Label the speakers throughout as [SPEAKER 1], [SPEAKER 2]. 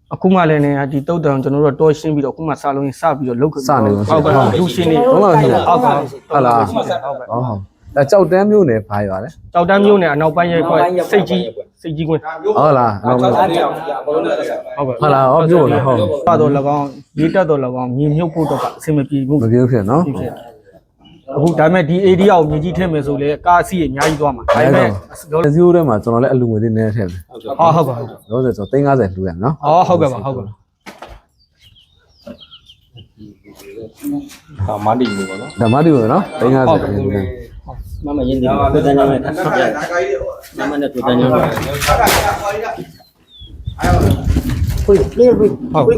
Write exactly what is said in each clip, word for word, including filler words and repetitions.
[SPEAKER 1] အခုမှလည်းနေဒီတုတ်တံကျွန်တော်တို့တော့ရှင်းပြီးတော့အခုမှစာလုံးစပြီးတော့လုတ်စနေဟုတ်ကဲ့လူရှင်းနေဟုတ်လားဟုတ်လားဟုတ်လားဟုတ်ဟုတ်အဲကြောက်တန်းမျိုးနဲ့ဘာရွာလဲကြောက်တန်းမျိုးနဲ့အနောက်ပိုင်းရဲ့ခွဲစိတ်ကြီးစိတ်ကြီးကွင်းဟုတ်လားဟုတ်လားဟုတ်ကဲ့ဟုတ်လားဟုတ်မျိုးနော်ဟုတ်ပါတော့၎င်းရေးတက်တော့၎င်းမြေမြုပ်ဖို့တော့အဆင်မပြေဘူးမပြေဖြစ်နော်အခုဒါပေမဲ့ဒီ area ကိုမြေကြီးထည့်မယ်ဆိုလေကားအစီအများကြီးသွားမှာဒါပေမဲ့ဇီရိုထဲမှာကျွန်တော်လည်းအလူငွေလေးနည်းထည့်မယ်ဟုတ်ဟုတ်ပါဟုတ်လို့ဆိုတော့၃၅၀လူရနော်ဟုတ်ဟုတ်ကဲ့ပါဟုတ်ကဲ့ဒါမတီမျိုးပေါ့နော်ဒါမတီမျိုးနော်၃၅၀လူရမမရင်းဒီကိုတန်းညောင်းနဲ့ထပ်ပြမမနဲ့ကိုတန်းညောင်းနဲ့ဖွင့်ပြေးဖွင့်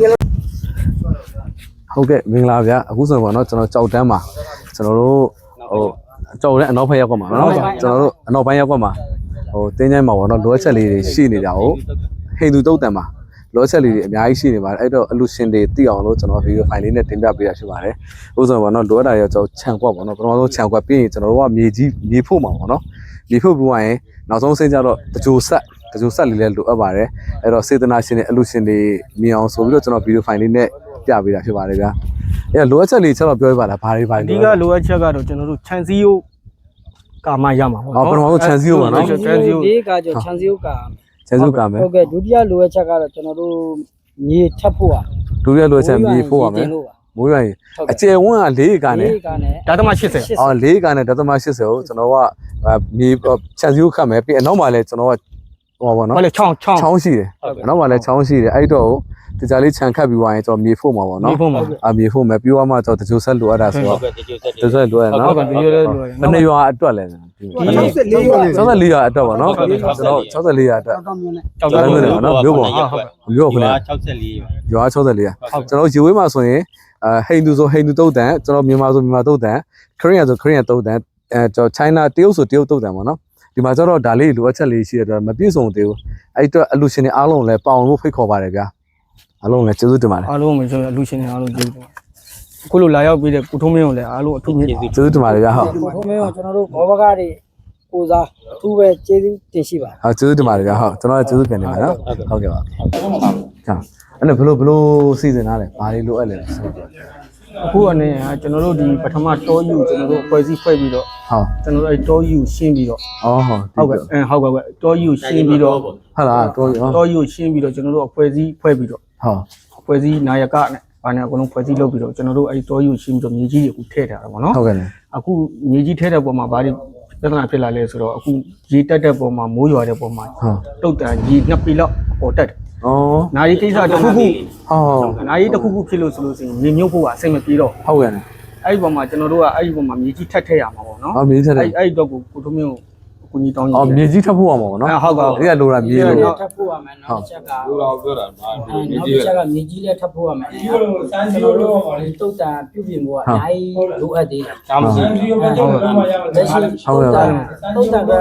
[SPEAKER 1] ဟုတ်ကဲ့မင်္ဂလာဗျာအခုဆိုတော့เนาะကျွန်တော်ကြောက်တန်းမှာကျွန်တော်တို့ဟိုကြောက်တဲ့အနောက်ဘက်ရောက်ကွက်မှာเนาะကျွန်တော်တို့အနောက်ပိုင်းရောက်ကွက်မှာဟိုတင်းချိုင်းမှာပေါ့เนาะလိုအပ်ချက်လေးတွေရှိနေကြအောင်ဟိန္ဒူတုတ်တန်မှာလိုအပ်ချက်လေးတွေအများကြီးရှိနေပါတယ်အဲ့တော့အလူရှင်တွေသိအောင်လို့ကျွန်တော်ဗီဒီယိုဖိုင်လေးနဲ့တင်ပြပေးရရှိပါတယ်ဥဆိုတော့ပေါ့เนาะလိုအပ်တာရောကျွန်တော်ခြံကွက်ပေါ့เนาะပထမဆုံးခြံကွက်ပြီးရင်ကျွန်တော်တို့ကမြေကြီးမြေဖို့မှာပေါ့เนาะမြေဖို့ပြီးရင်နောက်ဆုံးဆင်းကြတော့တကြိုဆက်တကြိုဆက်လေးလည်းလိုအပ်ပါတယ်အဲ့တော့စေတနာရှင်တွေအလူရှင်တွေမြင်အောင်ဆိုပြီးတော့ကျွန်တော်ဗီဒီယိုဖိုင်လေးနဲ့ပြပေးတာဖြစ်ပါတယ်ဗျာအဲ့လိုအပ်ချက်လေးချက်တော့ပြောပြပါလားဘာတွေဘာတွေအဓိကလိုအပ်ချက်ကတော့ကျွန်တော်တို့ခြံစည်းရိုးကာမရမှာပေါ့နော်ပထမဆုံးခြံစည်းရိုးပါနော်ခြံစည်းရိုးဒီကကြောခြံစည်းရိုးကာခြံစည်းရိုးကာမယ်ဟုတ်ကဲ့ဒုတိယလိုအပ်ချက်ကတော့ကျွန်တော်တို့မြေထပ်ဖို့อ่ะဒုတိယလိုအပ်ချက်မြေဖို့ရမယ်မိုးရွာရင်အကျယ်ဝန်းက၄ကာနဲ့ဓာတ်မ၈၀အော်၄ကာနဲ့ဓာတ်မ၈၀ကိုကျွန်တော်ကမြေခြံစည်းရိုးခတ်မယ်ပြီးအနောက်မှာလည်းကျွန်တော်ကဟောပါနော်ဟုတ်လေချောင်းချောင်းချောင်းရှိတယ်အနောက်မှာလည်းချောင်းရှိတယ်အဲ့တော့တကြလေးခြံခတ်ပြီးသွားရင်ကျွန်တော်မြေဖို့မှာပေါ့နော်အာမြေဖို့မယ်ပြီးသွားမှကျွန်တော်တကြိုဆက်လိုအပ်တာဆိုတော့တကြိုဆက်လိုအပ်နော်ဟုတ်ကဲ့တကြိုဆက်လိုအပ်ဘယ်နှစ်ရွာအတွက်လဲ၆၄ရွာ၆၄ရွာအတွက်ပေါ့နော်ကျွန်တော်၆၄ရွာအတွက်ကြောက်မျိုးနဲ့နော်မျိုးပေါ့မျိုးခုန၆၄ရွာရွာ၆၄ရွာကျွန်တော်ရေဝေးမှာဆိုရင်အဲဟိန္ဒူဆိုဟိန္ဒူတုတ်တန်ကျွန်တော်မြန်မာဆိုမြန်မာတုတ်တန်ခရစ်ယာန်ဆိုခရစ်ယာန်တုတ်တန်အဲကျွန်တော် China တရုတ်ဆိုတရုတ်တုတ်တန်ပေါ့နော်ဒီမှာကျတော့ဒါလေးလိုအပ်ချက်လေးရှိတဲ့အတွက်မပြည့်စုံသေးဘူးအဲ့အတွက်အလူရှင်တွေအားလုံးလည်းပေါအောင်လို့ဖိတ်ခေါ်ပါတယ်ဗျာအားလုံးလည်းကျေးဇူးတင်ပါတယ်အားလုံးပဲကျွန်တော်အလူရှင်တွေအားလုံးကျေးဇူးတင်ပါတယ်အခုလိုလာရောက်ပြီးတဲ့ကိုထုံးမင်းကိုလည်းအားလုံးအထူးကျေးဇူးကျေးဇူးတင်ပါတယ်ဗျာဟုတ်ကိုထုံးမင်းကိုကျွန်တော်တို့ဘောဘကားတွေကိုစားအထူးပဲကျေးဇူးတင်ရှိပါတယ်ဟုတ်ကျေးဇူးတင်ပါတယ်ဗျာဟုတ်ကျွန်တော်လည်းကျေးဇူးပြန်နေပါနော်ဟုတ်ကဲ့ပါဟုတ်အဲ့ဒါဘလို့ဘလို့စီစဉ်ထားလဲဘာတွေလိုအပ်လဲအခုအနေနဲ့ကျွန်တော်တို့ဒီပထမတောယူကျွန်တော်တို့ဖွဲ့စည်းဖွဲ့ပြီးတော့ဟုတ်ကျွန်တော်တို့အဲတောယူရှင်းပြီးတော့အော်ဟုတ်ဟုတ်ကဲ့အဲဟုတ်ကဲ့တောယူရှင်းပြီးတော့ဟုတ်လားတောယူတောယူရှင်းပြီးတော့ကျွန်တော်တို့ဖွဲ့စည်းဖွဲ့ပြီးတော့ဟုတ်ဖွဲ့စည်းနာယကနဲ့ဘာနဲ့အကုန်လုံးဖွဲ့စည်းလုပ်ပြီးတော့ကျွန်တော်တို့အဲတောယူရှင်းပြီးတော့မြေကြီးတွေအခုထည့်ထားတာပေါ့နော်ဟုတ်ကဲ့အခုမြေကြီးထည့်တဲ့ပုံမှာဘာတွေပြဿနာဖြစ်လာလဲဆိုတော့အခုရေတက်တဲ့ပုံမှာမိုးရွာတဲ့ပုံမှာတုတ်တန်ကြီးနှစ်ปีလောက်ပေါ်တက်တယ်อ๋อนาရီကိစ္စတစ်ခုခုဟုတ်နာရီတစ်ခုခုဖြစ်လို့ဆိုလို့ရှိရင်မြေမြုပ်ဖို့ကအစိမ့်မပြေတော့ဟုတ်ကဲ့အဲ့ဒီပုံမှာကျွန်တော်တို့ကအဲ့ဒီပုံမှာမြေကြီးထပ်ထည့်ရမှာပေါ့နော်ဟုတ်မြေကြီးထပ်ထည့်အဲ့အဲ့တော့ကိုကိုထုံးမင်းကိုအကူကြီးတောင်းကြီးအော်မြေကြီးထပ်ဖို့ရမှာပေါ့နော်ဟုတ်ကဲ့အဲ့ဒါလိုတာမြေလို့ထပ်ဖို့ရမယ်နောက်ချက်ကလိုတော့ပြောတာမြေကြီးချက်ကမြေကြီးလည်းထပ်ဖို့ရမယ်ကျွန်တော်တို့တုတ်တန်ပြုပြင်ဖို့ကအများကြီးလိုအပ်သေးတယ်ဒါမှမဟုတ်ဟုတ်ကဲ့ဟုတ်ကဲ့လက်ရှိဟုတ်ကဲ့တုတ်တန်ကဟုတ်ခုန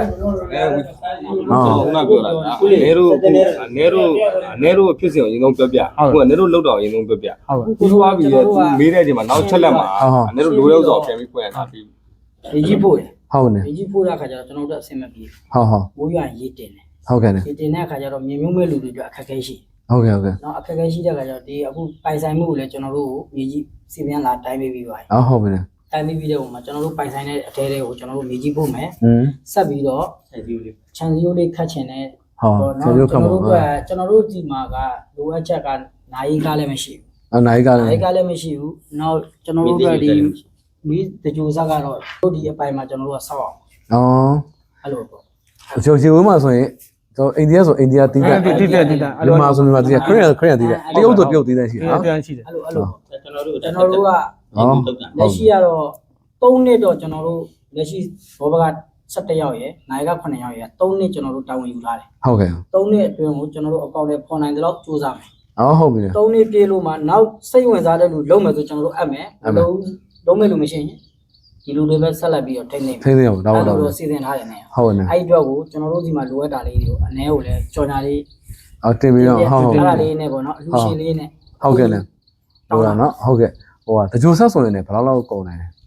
[SPEAKER 1] ပြောတာနေတို့နေတို့နေတို့ဖြစ်စဉ်ကိုအရင်ဆုံးပြောပြဟုတ်ကနေတို့လောက်တော့အရင်ဆုံးပြောပြဟုတ်ကိုသွားပြီးမေးတဲ့အချိန်မှာနောက်ချက်လက်မှာနေတို့လိုရောက်ဆိုပြန်ပြီးဖွင့်ရတာပြီးမြေကြီးဖို့ဟုတ်နေမြေကြီးဖို့တဲ့အခါကျတော့ကျွန်တော်တို့အဆင်မပြေဟုတ်ဟုတ်မိုးရွာရေးတင်တယ်ဟုတ်ကဲ့ရေတင်တဲ့အခါကျတော့မြေမြုပ်မဲ့လူတွေအတွက်အခက်အခဲရှိဟုတ်ကဲ့ဟုတ်ကဲ့နော်အခက်အခဲရှိတဲ့အခါကျတော့ဒီအခုပိုင်ဆိုင်မှုကိုလည်းကျွန်တော်တို့မြေကြီးစီပြန်လာတိုင်းပေးပြီးပါတယ်ဟုတ်ဟုတ်ပြီတိုင်းပေးပြီးတဲ့ပုံမှာကျွန်တော်တို့ပိုင်ဆိုင်တဲ့အထဲလေးကိုကျွန်တော်တို့မြေကြီးဖို့မယ်ဆက်ပြီးတော့ခြံစည်းရိုးလေးခတ်ချင်တဲ့ဟုတ်နော်ကျွန်တော်တို့ကကျွန်တော်တို့ဒီမှာကလိုအပ်ချက်ကနိုင်ကားလည်းမရှိဘူးအနိုင်ကားလည်းနိုင်ကားလည်းမရှိဘူးနောက်ကျွန်တော်တို့ကဒီမီးတကြိုစားကတော့တို့ဒီအပိုင်းမှာကျွန်တော်တို့ကစောက်အောင်အော်အဲ့လိုပေါ့ကျော်စီဝင်းမှာဆိုရင်ကျွန်တော်အိန္ဒိယဆိုအိန္ဒိယတီးတဲ့တီးတဲ့တီးတဲ့အဲ့လိုမှာဆိုမြန်မာတီးတဲ့ခရစ်ယာန်ခရစ်ယာန်တီးတဲ့တရုတ်ဆိုတရုတ်တီးတဲ့ရှိတယ်နော်တရားရှိတယ်အဲ့လိုအဲ့လိုကျွန်တော်တို့ကျွန်တော်တို့ကလက်ရှိကတော့သုံးနှစ်တော့ကျွန်တော်တို့လက်ရှိဘောဘက၁၁ယောက်ရယ်နိုင်က9ယောက်ရယ်သုံးနှစ်ကျွန်တော်တို့တာဝန်ယူထားတယ်ဟုတ်ကဲ့သုံးနှစ်အတွင်းကိုကျွန်တော်တို့အကောင့်တွေဖော်နိုင်တယ်လို့စူးစမ်းမယ်အော်ဟုတ်ပြီသုံးနှစ်ပြေလို့မှနောက်စိတ်ဝင်စားတဲ့လူလုံးမယ်ဆိုကျွန်တော်တို့အပ်မယ်လုံးလုံးမဲ့လို့မရှိရင်ဒီလူတွေပဲဆက်လက်ပြီးတော့ထိန်းသိမ်းထိန်းသိမ်းအောင်တော့တော့စီစဉ်ထားတယ်နဲ့ဟုတ်နေအဲ့ဒီတော့ကိုကျွန်တော်တို့ဒီမှာလိုအပ်တာလေးတွေကိုအ ਨੇ ကိုလည်းကြော်ညာလေးအော်တင်ပြီးတော့ဟုတ်ဟုတ်အဲ့ဒါလေးနဲ့ပေါ့နော်အလူရှင်လေးနဲ့ဟုတ်ကဲ့လေဟုတ်လားနော်ဟုတ်ကဲ့ဟိုကတကြိုဆက်ဆိုရင်လည်းဘယ်လောက်လောက်ကုန်နိုင်လဲ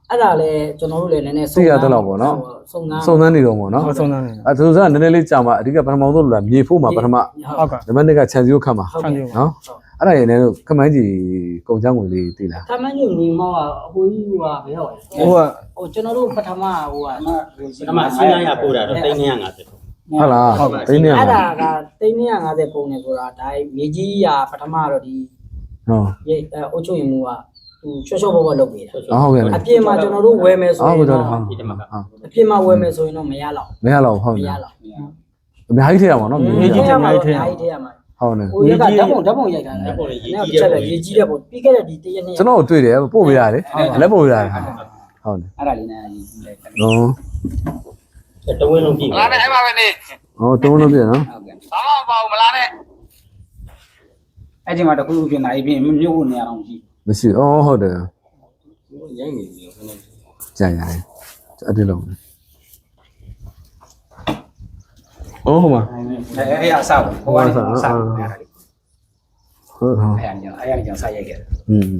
[SPEAKER 2] အဲ့ဒါလည်းကျွန်တော်တို့လည်းနည်းနည်းစုံစမ်း
[SPEAKER 1] စုံစမ်းနေတော့ပေါ့နော်
[SPEAKER 3] ဟုတ်ဆုံးနေ
[SPEAKER 1] အဲသူကနည်းနည်းလေးကြာမှာအဓိကပထမဆုံးလို့လားမြေဖို့မှာပထမ
[SPEAKER 3] ဟုတ်ကဲ့
[SPEAKER 1] နံပါတ်နှစ်ကခြံစည်းကိုခတ်မှာ
[SPEAKER 3] ဆန်ကြီး
[SPEAKER 1] နော်အဲ့ဒါရင်းလည်းခမိုင်းကြီးကုန်ချောင်းကိုလေးတည်လား
[SPEAKER 2] ခမန်းကြီးညီမောကအဟိုကြီးကဘယ်ရောက်လဲ
[SPEAKER 3] ဟိုက
[SPEAKER 2] ဟိုကျွန်တော်တို့ပထမဟိုက
[SPEAKER 4] အမှစီး900ပို့တာတော့တိတ်950
[SPEAKER 1] ဟုတ်လားတင်းနေရ
[SPEAKER 2] အဲ့
[SPEAKER 1] မှာ
[SPEAKER 2] ဒါကတိန်း၂၅၀ပုံနေဆိုတာဒါမြေကြီးရာပထမတော့ဒီ
[SPEAKER 1] ဟုတ်
[SPEAKER 2] ရေအုတ်ချုပ်ရင်မူကသူချောချောဘောဘောလုပ်နေတာ
[SPEAKER 1] ဟုတ်ကဲ့
[SPEAKER 2] အပြင်မှာကျွန်တော်တို့ဝယ်မယ်ဆို
[SPEAKER 1] ဟုတ်
[SPEAKER 2] ရင်
[SPEAKER 1] ကဲ့
[SPEAKER 2] တော့
[SPEAKER 1] ဟုတ်
[SPEAKER 4] ဒီတမက
[SPEAKER 2] အပြင်မှာဝယ်မယ်ဆိုရင်တော့မရတော့
[SPEAKER 1] မရတော့ဟုတ်
[SPEAKER 2] မ
[SPEAKER 1] တယ်
[SPEAKER 2] ရတော့
[SPEAKER 1] အများကြီးထည့်ရမှာနော်မြေ
[SPEAKER 2] မြေ
[SPEAKER 1] ကြီး
[SPEAKER 2] ကြီးထဲမှာမြေကြီးထဲမှာ
[SPEAKER 1] ဟုတ်တယ်
[SPEAKER 2] ဟိုရကဓာတ်ပုံဓာတ်ပုံရိုက်တာလေဓာတ်ပုံရေးကြီးတဲ့ပုံရေးကြီးတဲ့ပုံပြီးခဲ့တဲ့ဒီတရက်နေ့
[SPEAKER 1] ကျွန်တော်တွေ့တယ်ပို့ပေးရတယ်လက်ပို့ရတယ်ဟုတ်တယ်
[SPEAKER 2] အဲ့ဒါလေးနဲ့ရေးကြီးလိုက်တယ်
[SPEAKER 1] နော်
[SPEAKER 4] တဝင်းလုံးပြည့်
[SPEAKER 5] မလားနဲ့အဲ့မှာပဲနေ
[SPEAKER 1] ဟောတုံးလို့ပြနော်
[SPEAKER 2] ဟုတ်ကဲ့
[SPEAKER 5] ဘာမှမပါဘူးမလားနဲ့
[SPEAKER 6] အဲ့ဒီမှာတခုခုဖြစ်နေပြီမြို့ကိုနေရာတော့ရှိ
[SPEAKER 1] မရှိအော်ဟုတ်တယ်
[SPEAKER 4] ရိုင်းနေပြီခဏ
[SPEAKER 1] ကြာရတယ်အဲ့ဒီလုံးအော်ဟိုမှာ
[SPEAKER 6] အဲ့အဲ့အဆောက်ဟိုကနေဆောက်အဲ့
[SPEAKER 1] ဟုတ်ဟုတ်
[SPEAKER 6] အဲ့အဲ့အဲ့ကြောင့်ဆက်ရိုက်ခဲ့တယ်
[SPEAKER 1] อืม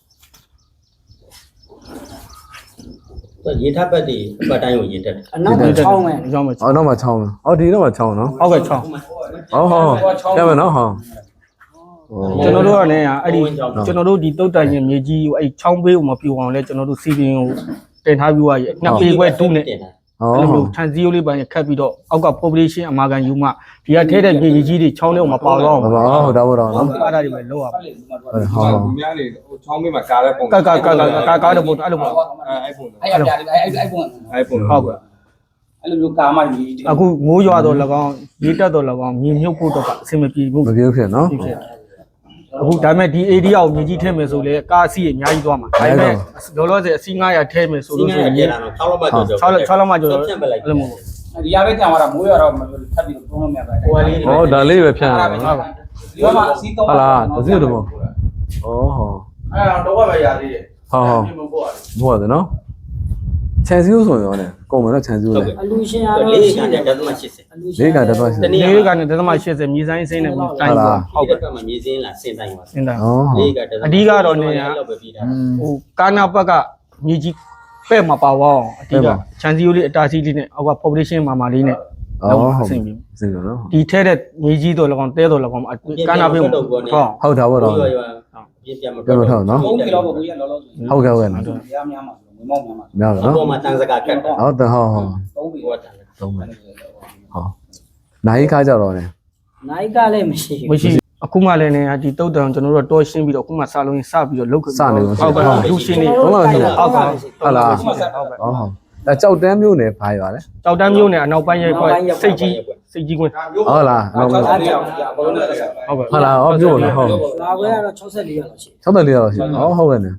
[SPEAKER 4] ရေထပ်ပတ်တွေအပတ်တိုင်းကိုရေတက်တယ်
[SPEAKER 2] အနောက်မှာချောင်းမယ်
[SPEAKER 3] ရောင်းမယ်
[SPEAKER 1] အော်တော့မှချောင်းလားအော်ဒီတော့မှချောင်းနော်
[SPEAKER 3] ဟုတ်ကဲ့ချောင်း
[SPEAKER 1] ဟောဟောရမယ်နော်ဟော
[SPEAKER 3] ကျွန်တော်တို့ကလည်းအဲ့ဒီကျွန်တော်တို့ဒီတုတ်တန်ရင်မြေကြီးကိုအဲ့ချောင်းဘေးကိုမပြူအောင်လဲကျွန်တော်တို့စီပင်ကိုတင်ထားပြီးွားရဲ့နှစ်ပေခွဲတူးနဲ့
[SPEAKER 4] တင်တာ
[SPEAKER 1] ဟော
[SPEAKER 3] အဲ့လိုမျိုးခြံစည်းရိုးလေးပိုင်းခတ်ပြီးတော့အောက်က population အမာခံယူမှဒီကထဲတဲ့မြေကြီးကြီးတွေချောင်းထဲကိုမပါတော့
[SPEAKER 1] ဟုတ်
[SPEAKER 3] ဘူး
[SPEAKER 1] ပါဟုတ်တော့တော့နော်
[SPEAKER 3] အဲ့ဒါတွေပဲလောက်ရပါ
[SPEAKER 1] ဟောဟော
[SPEAKER 5] သူများနေဟိုချောင်းမေးမှာကားတဲ့ပုံ
[SPEAKER 3] ကကကကကကားတဲ့ပုံအဲ့လိုပေါ့
[SPEAKER 5] အဲအဲ့ပုံ
[SPEAKER 6] အဲ့အဲ့အဲ့အဲ့ပုံ
[SPEAKER 5] အဲ့ပုံ
[SPEAKER 3] ဟုတ်ကဲ့
[SPEAKER 6] အဲ့လိုမျိုးကာမကြီး
[SPEAKER 3] အခုမိုးရွာတော့၎င်းရေတက်တော့၎င်းမြေမြုပ်ဖို့တော့အဆင်မပြေဘူး
[SPEAKER 1] မပြေဖြစ်နော်
[SPEAKER 3] အခုဒါပေမဲ့ဒီ area ကိုမြေကြီးထည့်မယ်ဆိုလေကားအစီအများကြီးသွားမှာဒါပေမဲ့လောလောဆယ်အစီ900ထည့်မယ်ဆို
[SPEAKER 4] စီး
[SPEAKER 3] လို့ဆိုရင်
[SPEAKER 4] 900ကျလာတော့6လောက်မှကျော်ကျော်
[SPEAKER 3] 6လောက်6လောက်မှကျော်
[SPEAKER 4] ဖြတ်ပလိုက်
[SPEAKER 3] အဲ့လိုမျိုး
[SPEAKER 6] ဒီရပဲကြံသွားတာမိုးရတော့ထပ်ပြီးတော့သုံးလို့မရပါဘူး
[SPEAKER 4] ဟိုကလေး
[SPEAKER 1] ဟောဒါလေးပဲဖြန့်ရ
[SPEAKER 6] အဲ့
[SPEAKER 1] တာ
[SPEAKER 6] ဒါပဲ
[SPEAKER 1] နော်
[SPEAKER 6] ဒီမှာစီးတော့
[SPEAKER 1] ဟုတ်လားတစီတော့ဩဟော
[SPEAKER 5] အဲ့တော့တော့ပဲရသေးတယ်
[SPEAKER 1] ဟောဟော
[SPEAKER 5] မပို့ရတယ်
[SPEAKER 1] ဘို့ရတယ်နော်ခြံစည်းဆိုရင်ရောလေကုန်မယ်နော်ခြံစည်းလေ
[SPEAKER 2] အလူရှင်ကတော့
[SPEAKER 4] လေး
[SPEAKER 2] ရှိ
[SPEAKER 4] က
[SPEAKER 2] တယ်
[SPEAKER 4] တဲ့ဒသမ80
[SPEAKER 2] အလူရှင်
[SPEAKER 1] လေးကတတော့ရှိ
[SPEAKER 4] တနည်း
[SPEAKER 3] လေးကနေဒသမ80မြေဆိုင်စိမ့်နဲ့တိုင်းပေါ့
[SPEAKER 4] ဟုတ်ကဲ့ကမှမြေစင်းလားစင်တိုင်းပါ
[SPEAKER 3] စင်တာ
[SPEAKER 1] ဩဟော
[SPEAKER 4] လေးကတသမလောက်ပဲပြီးတာ
[SPEAKER 3] ဟိုကာနာဘက်ကမြေကြီးပဲ့မှာပါဝအောင်အတိကခြံစည်းရိုးလေးအတားစီးလေးနဲ့အောက်က population မာမာလေးနဲ့
[SPEAKER 1] ဩ
[SPEAKER 3] လောက်
[SPEAKER 1] ဟုတ်
[SPEAKER 3] အဆင်ပြေ
[SPEAKER 1] စင်နော်
[SPEAKER 3] ဒီထဲတဲ့မြေကြီးတော့၎င်းတဲတော့၎င်းကာနာပဲဟုတ်
[SPEAKER 1] ဟုတ်တာပေါ့တော့
[SPEAKER 4] ရွာရွာပြပြမတော့
[SPEAKER 6] သုံးကီလိုပေါ့ကိုကြီးလောလောဆယ်
[SPEAKER 1] ဟုတ်ကဲ့ဟုတ်ကဲ့နော်
[SPEAKER 6] ရများမှာငွေမောင်းများမှာ
[SPEAKER 1] များတယ်
[SPEAKER 4] အ
[SPEAKER 1] နော်
[SPEAKER 4] ပေါ်မှာတန်စကာကတ်တာ
[SPEAKER 1] ဟုတ်တယ်ဟုတ်ဟုတ်
[SPEAKER 6] သုံးပြီး
[SPEAKER 4] ဟိုတန်
[SPEAKER 1] သုံးမယ်ဟောနိုင်ခါကြတော့လေ
[SPEAKER 2] နိုင်ကလည်းမရှိဘူး
[SPEAKER 3] မရှိအခုမှလည်းနေဒီတုတ်တံကျွန်တော်တို့တော့ရှင်းပြီးတော့အခုမှစာလုံးစပြီးတော့လုတ်
[SPEAKER 1] စနေလို့
[SPEAKER 3] ဟုတ်ကဲ့လူရှင်းနေ
[SPEAKER 1] ဟုတ်ပါဘူး
[SPEAKER 3] ဟုတ်ကဲ့
[SPEAKER 1] ဟုတ်လား
[SPEAKER 3] ဟုတ်ကဲ့
[SPEAKER 1] ဩဟောအဲကြောက်တန်းမျိုးနဲ့ဘာရွာလဲ
[SPEAKER 3] ကြောက်တန်းမျိုးနဲ့အနောက်ပိုင်းရဲ့စိတ်ကြီးစိတ်ကြီးကွင်း
[SPEAKER 1] ဟုတ်လားဟုတ်
[SPEAKER 6] ဟုတ်
[SPEAKER 1] လား
[SPEAKER 6] ကဲ့ဘောလုံးနဲ့ဆက်
[SPEAKER 3] ဟုတ်ကဲ့
[SPEAKER 1] ဟုတ်လားဟောမျိုးနော်ဟုတ်
[SPEAKER 2] လာခွဲကတော့၆၄ရောက်လို့ရှိ
[SPEAKER 1] ၆၄ရောက်ရှိဩဟုတ်ကဲ့နော်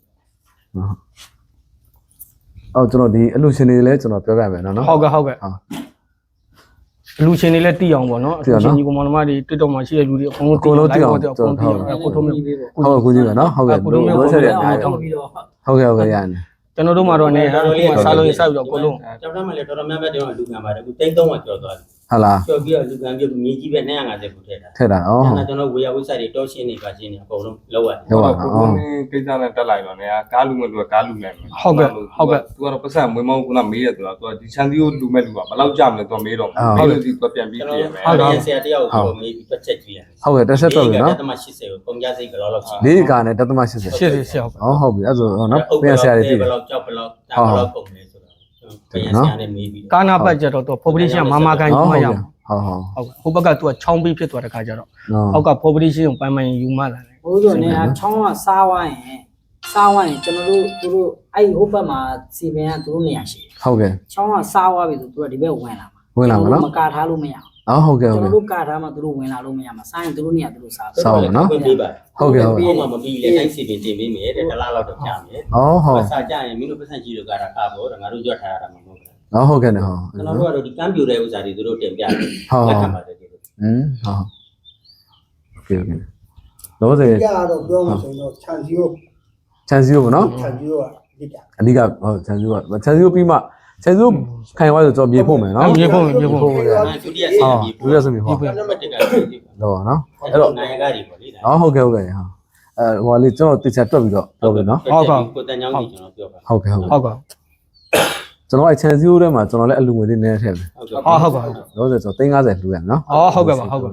[SPEAKER 1] အော်ကျွန်တော်ဒီအလူရှင်တွေလည်းကျွန်တော်ပြောပြမယ်နော်နော်
[SPEAKER 3] ဟုတ်ကဲ့ဟုတ်ကဲ့လူချင်းတွေလည်းတီးအောင်ပေါ့နော်လူချင်းကြီးကမောင်နှမတွေတစ်တော့မှရှိတဲ့လူတွေအကုန်လုံးတီးအောင်အကုန်တီးအောင်ကိုထုံးမျိုး
[SPEAKER 1] ဟုတ်ကိုကြီးပဲနော်ဟုတ်ကဲ့ဘယ်လိုဆက်ရလဲ
[SPEAKER 2] တော့ပြီးတော့
[SPEAKER 1] ဟုတ်ကဲ့ဟုတ်ကဲ့ရတယ်
[SPEAKER 3] ကျွန်တော်တို့မှာတော့နေဟာအခုမှစားလို့စပြီးတော့အကုန်လုံး
[SPEAKER 4] ကျောင်းသားမှလည်းတော်တော်များများတောင်လူကံပါတယ်အခုတိန်းသုံးကကျော်သွားတယ်
[SPEAKER 1] ဟုတ်လား
[SPEAKER 4] ကျော်ပြီးတော့လူကံပြုတ်မြေကြီးပဲ250ခုထည့်တာ
[SPEAKER 1] ထည့်တာဩ
[SPEAKER 4] အဲ့ဒါကျွန်တော်ဝေယဝိစာတွေတောရှင်းနေပါရှင်းနေအကုန်လုံးလောက်ရတယ်
[SPEAKER 1] ဟုတ်ပါ
[SPEAKER 5] ကို
[SPEAKER 1] ဩ
[SPEAKER 5] ကိစ္စနဲ့တက်လိုက်တော့နေကားလူမဲ့လူကကားလူလိုက်မယ်
[SPEAKER 3] ဟုတ်ကဲ့ဟုတ်ကဲ့
[SPEAKER 5] သူကတော့ပတ်စံမွေးမောင်းကမေးရသူကသူကဒီချန်တီကိုလူမဲ့လူကဘယ်လောက်ကြာမလဲသူမေးတော့မေးလို့ဒီကပြန်ပြီး
[SPEAKER 4] ကျွန်
[SPEAKER 5] ပြ
[SPEAKER 4] တော်
[SPEAKER 5] ရမယ်
[SPEAKER 4] ဟုတ်တယ်ဆရာတယောက်ကိုမေးပြီးပတ်ချက်ကြည့်ရတယ်
[SPEAKER 1] ဟုတ်ကဲ့တစ်ဆက်တော့ပြီနော်
[SPEAKER 4] တသမ80ကိုပုံကြစိတ်ကလောက်လောက်ရှိ
[SPEAKER 1] လေးကာနဲ့တသမ80
[SPEAKER 3] ရှေ့ရှေ့ရှေ့ဟုတ်
[SPEAKER 1] ဩဟုတ်ပြီအဲ့ဆိုနော်ပြန်ဆရာတွေတည်
[SPEAKER 4] ဘယ်လောက်ကြောက်ဘယ်လောက်တာဘယ်လောက်ကုန်လဲဆိုတော့ပြန်ဆရာနဲ့မေးပြီး
[SPEAKER 3] ကာနာဘတ်ကျတော့ population မာမာကန်ယူမှရအောင်
[SPEAKER 1] ဟုတ်ဟုတ်
[SPEAKER 3] ဟုတ်ကဲ့ဟိုဘက်ကသူကချောင်းပေးဖြစ်သွားတဲ့ခါကျတော့အောက်က population ကိုပိုင်းပိုင်းယူမှလာတယ်
[SPEAKER 2] ဘိုးတို့နေကချောင်းကစားဝိုင်းရင်စားဝိုင်းရင်ကျွန်တော်တို့သူတို့အဲ့ဟိုဘက်မှာစီပင်ကသူတို့နေရာရှိ
[SPEAKER 1] ဟုတ်ကဲ့
[SPEAKER 2] ချောင်းကစားဝါပြီဆိုသူတို့ဒီဘက်ဝင်လာမှာ
[SPEAKER 1] ဝင်လာမှာနော်
[SPEAKER 2] မကာထားလို့မရ
[SPEAKER 1] အော်ဟုတ်ကဲ့
[SPEAKER 2] ဘူး
[SPEAKER 1] ဟုတ်
[SPEAKER 2] ကျွန်
[SPEAKER 1] ကဲ့
[SPEAKER 2] တော်တို့ကာထားမှသူတို့ဝင်လာလို့မရမှာစားရင်သူတို့နေရာသူတို့စား
[SPEAKER 1] စောင်းနော်
[SPEAKER 4] ပေးပါ
[SPEAKER 1] ဟုတ်ကဲ့ဟုတ်
[SPEAKER 4] ပြီး
[SPEAKER 1] ကဲ့
[SPEAKER 4] မှမပြီးလေတိုင်းစီပင်တင်ပေးမယ်တဲ့တစ်လားလောက်တော့ကြာမယ်
[SPEAKER 1] ဩဟုတ်
[SPEAKER 4] စာကြရင်မင်းတို့ပတ်စံကြီးတို့ကတော့ကားပေါ့ငါတို့ကြွထားရတာမဟုတ်ဘူး
[SPEAKER 1] ဩဟုတ်ကဲ့နော်ဟုတ်
[SPEAKER 4] ကျွန်တော်တို့ကတော့ဒီကမ်းပြူတဲ့ဥစ္စာတွေသူတို့တင်ပြတယ်
[SPEAKER 1] ဟုတ်
[SPEAKER 4] လက်ခံပါတယ်ဒီလို
[SPEAKER 1] อืมဟုတ်โอเคโอเคတော့စေ
[SPEAKER 7] ကြတော့ပြောမှဆိုရင်တော့ခြံစည်းကို
[SPEAKER 1] ချန်စီကိုနော်
[SPEAKER 7] ခြံစည်းကိုကအဓိက
[SPEAKER 1] အဓိကဟုတ်ချန်စီကိုချန်စီကိုပြီးမှချန်စီကိုခိုင်သွားဆိုတော့မြေဖို့မယ်နော်
[SPEAKER 3] မြေဖို့မြေဖို့
[SPEAKER 4] ဒုတိယဆ
[SPEAKER 1] ဟု
[SPEAKER 4] ရာ
[SPEAKER 1] တ်
[SPEAKER 4] ကြီး
[SPEAKER 1] ဒုရစမြေဟုတ်
[SPEAKER 4] နံပါတ်တစ်ကဒီ
[SPEAKER 1] တော့နော်
[SPEAKER 4] အဲ့တော့နိုင်ကားတွေပေါ့လေဒါ
[SPEAKER 1] အော်ဟုတ်ကဲ့ဟုတ်ကဲ့ဟာအဲဟိုလေးကျွန်တော်တေချာတွက်ပြီးတော့ပြောပြီနော်
[SPEAKER 4] ကိုတန်ချောင်းကြီးကျွန်တော်ပြောပါ
[SPEAKER 1] ဟုတ်ကဲ့ဟုတ်
[SPEAKER 3] ဟုတ်ကဲ့
[SPEAKER 1] ကျွန်တော်အဲ chance 0ထဲမှာကျွန်တော်လည်းအလူငွေလေးနည်းနည်းထည့်မယ်
[SPEAKER 4] ဟုတ်ကဲ့
[SPEAKER 3] အော်ဟုတ်ကဲ့
[SPEAKER 1] လို့ဆိုကျွန်တော်၃၅၀လူရနော်
[SPEAKER 3] အော်ဟုတ်ကဲ့ပါဟုတ်ကဲ့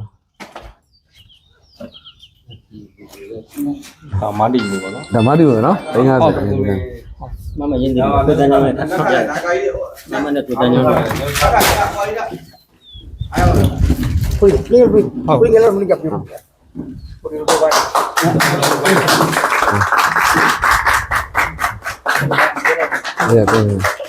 [SPEAKER 5] ဒါမတီလို့ပေါ့နော်
[SPEAKER 1] ဒါမှတည်းပဲနော်၃၅၀လူရ
[SPEAKER 4] မမရင်းဒီကိုတန်ချောင်းနဲ့ထပ်ပြမမနဲ့ကိုတန်ချောင်းနဲ့
[SPEAKER 7] ခွေးလေးခွေးခွေးကလည်းမင်းကပြောခွေးတော့ဘာ
[SPEAKER 1] အဲ့ဒါ